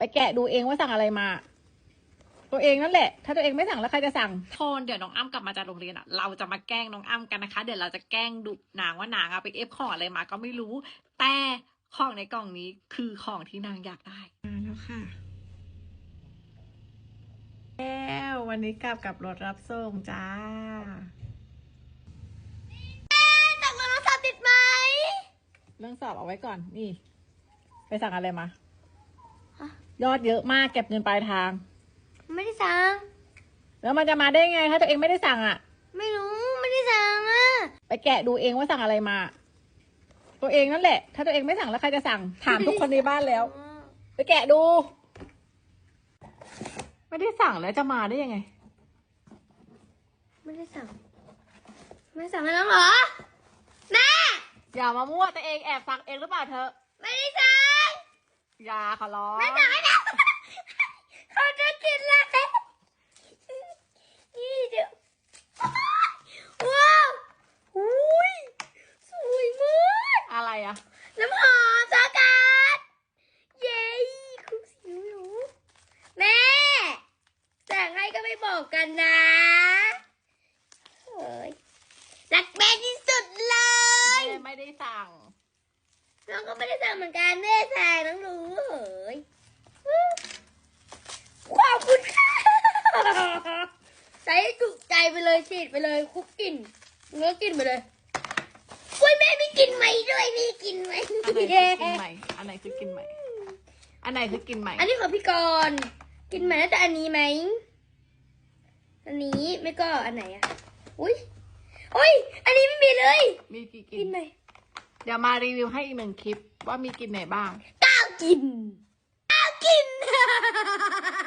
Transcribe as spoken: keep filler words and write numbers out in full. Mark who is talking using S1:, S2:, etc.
S1: ไปแกะดูเองว่าสั่งอะไรมา ตัวเองนั่นแหละ ถ้าตัวเองไม่สั่งแล้วใครจะสั่ง
S2: โทนเดี๋ยวน้องอ้ำกลับมาจากโรงเรียนอ่ะเราจะมาแกล้งน้องอ้ำกันนะคะเดี๋ยวเราจะแกล้งดุนางว่านางอะไปเอฟของอะไรมาก็ไม่รู้ แต่ของในกล่องนี้คือของที่นางอยากได้มาแล้วค่ะแล้ววันนี้กลับกับรถรับส่งจ้า
S3: สั่งโทรศัพท์ติดไหม
S1: เรื่องสอบเอาไว้ก่อนนี่ ไปสั่งอะไรมายอดเยอะมากเก็บเงินปลายทาง
S3: ไม่ได้สั่ง
S1: แล้วมันจะมาได้ไงถ้าตัวเองไม่ได้สั่งอ่ะ
S3: ไม่รู้ไม่ได้สั่งอ่ะ
S1: ไปแกะดูเองว่าสั่งอะไรมา ตัวเองนั่นแหละ ถ้าตัวเองไม่สั่งแล้วใครจะสั่งถามทุกคนในบ้านแล้ว ไปแกะดู ไม่ได้สั่งแล้วจะมาได้ยังไง
S3: ไม่ได้สั่งไม่สั่งแล้วเหรอแม่
S1: อย่ามามั่วตัวเองแอบสั่งเองหรือเปล่าเธอ
S3: ไม่ได้สั่ง
S1: อย่าขอร้อง
S3: ไม่สั่งไม่ได้เขาจะกินแล้วนี่เดี๋ยวว้าวอุ้ยสวยมาก
S1: อะไรอะ
S3: น้ำหอมสกัดเย้คุกสิวหนูแม่สั่งให้ก็ไม่บอกกันนะเฮ้ยรักแม่ที่สุดเลย
S1: แม่ไม่ได้สั่ง
S3: น้องก็ไม่ได้สั่งเหมือนกันแม่สั่งน้องรู้เฮ้ยขอบคุณค่ะใส่จุใจไปเลยฉีดไปเลยคุกกินเนื้อกินไปเลยกล้วยแม่ไม่กินไหมด้วยนี่กินไหม
S1: อันไหนคือกินใหม่อันไหนคือกินใหม่อันไหนคือกินใหม่
S3: อันนี้ของพี่กรณ์กินไหมแต่อันนี้ไหมอันนี้ไม่ก็อันไหนอ่ะอุ้ยอุ้ยอันนี้ไม่มีเลย
S1: มีกี่กิ
S3: กินไหม
S1: เดี๋ยวมารีวิวให้อีกหนึ่งคลิปว่ามีกินไหนบ้าง
S3: ก้าวกินก้าวกิน